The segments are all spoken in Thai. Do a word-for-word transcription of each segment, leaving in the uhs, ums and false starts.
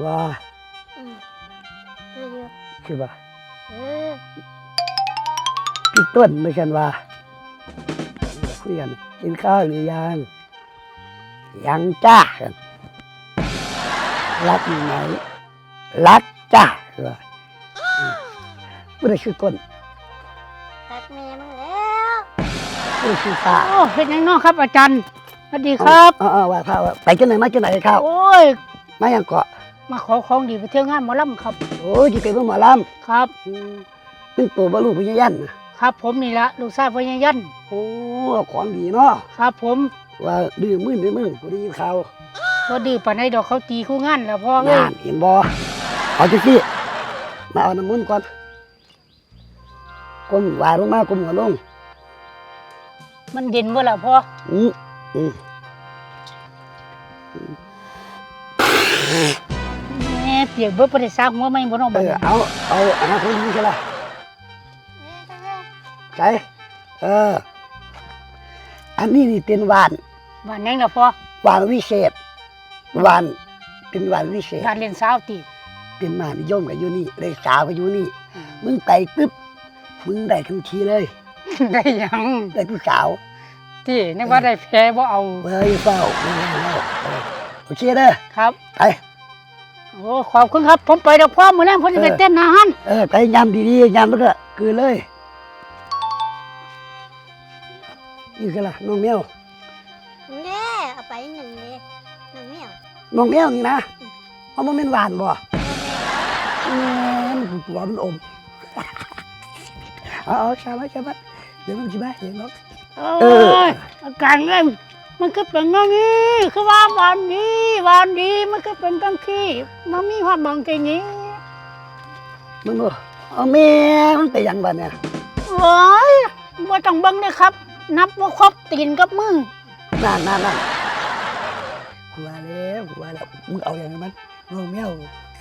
ว่าอืมคืออยู่คือว่าเออพี่ต้นไม่ใช่ว่าคุยกันกินข้าวหรือยังยังจ้ากันรักอยู่ไหมรักจ้าคือว่าไม่ได้ชื่อต้นตักแม่มึงแล้วไม่ได้ชื่อฟ้าโอ้เป็นยังน้องครับอาจารย์สวัสดีครับเออว่าข้าวไปกันไหนมากันไหนข้าวโอ้ยมายังเกาะมาขอของดีไปเที่ยวงานหมอลำครับโอ้ยจะเป็นหมอลครับำเป็นตัวบรรลุพญายันนะครับผมนี่ละลูกชายพญายันโอ้ของดีเนาะครับผมว่าดื้อมึนดื้อมึนกูได้ยินข่าวพอดื้อปานใดดอกเขาตีคู่งานแล้วพ่อเอ้ยงานเห็นบ่เอาจังซี่มาเอาน้ำมันต์ก่อนก้มไหวลงมาก้มหัวลงมันเย็นบ่ล่ะพ่ออืมอืมแม่เปียกเบิดบ่ได้ซักหัวไม่บ่น้องเอบัดอนี้เอาเอาอันนั้นคนนี้ใช่ไหมเออตักแล้วใช่เอออันนี้นี่เป็นหวานบ้านแหงล่ะพ่อหวานวิเศษหวานเป็นหวานวิเศษการเล่นสาวติเป็นมานิยมกับอยู่นี่เลยสาวกับอยู่นี่มึงไปปึ๊บมึงได้ทันทีเลยได้หยังได้ผู้สาวที่นึกว่าได้แพ้บ่เอาเฮ้ยเฝ้าไม่ได้แล้วเออโอเคเด้อครับไปโอ้ขอบคุณครับ ผมไปดอกพ่อมื้อแลงผมสิไปเต้นอาหารเออไปยำดีๆยำแล้วก็คือเลยนี่คือละน้องแมวเด้เอาไปหนึ่งเลยหนึ่งเนี่ยน้องแมวนี่นะเพราะมันเป็นหวานบ่เออมันตัวมันอมเอาเอาใช่ไหมใช่ไหมเดี๋ยวมันจะมาเห็นเนาะโอ้ยอาการเอ้ยมันก็เป็นอย่างนี้คือว่าหวานดีหวานดีมันก็เป็นจังซี่มันมีความบางทีนี้มึงบ่เอาแม่มันไปยังบ้านเนี่ยโอ้ยบ่ต้องเบิ่งเลยครับ นับว่าครบตีนกับมือนั่นนั่นนั่นกูว่าแล้วกูว่าแล้วมึงเอาอย่างนั้นน้องแมว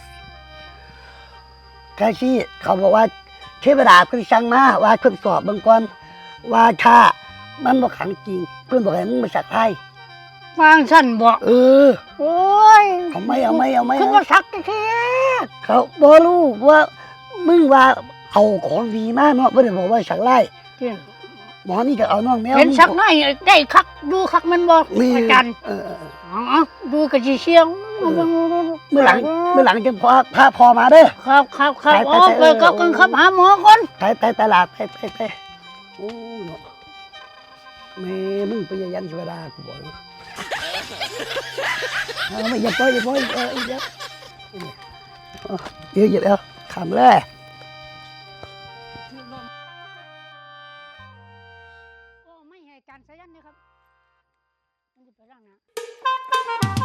แค่ที่เขาบอกว่าเทวดาเพิ่นสั่งมาว่าเพิ่นสอบเบิ่งก่อนว่าถ้ามันบ่ขังจริงเพิ่นบอกให้มึงมาสักไทยวางสั่นบ่เออโอ้ยเอาไหมเอาไหมเอาไหมคือว่าสักแท้เขาบ่รู้ว่ามึงว่าเอาของดีมาเนาะบ่ได้บอกว่าสักไล่จริงหมอนี่ก็เอาน้องแมวเห็นสักหน่อยได้คักดูคักมันบ่นี่อาจารย์เออเอออ๋อดูกะสิเสียงเมื่อหลังเมื่อหลังจะพาพาพอมาเด้อครับครับครับไปไปโอ้ไปไปเออก็กันครับหาหมอก่อนไปไปตลาดไปไปไปโอ้เนาะแม่มึงไปยันเทวดากูบอกเลยเอาไม่อย่าปล่อยอย่าปล่อยเออเดี๋ยวเดี๋ยวเดี๋ยวเดี๋ยวขำเลยโอ้ไม่ให้อาจารย์สายันเลยครับมันจะไปร่างนะ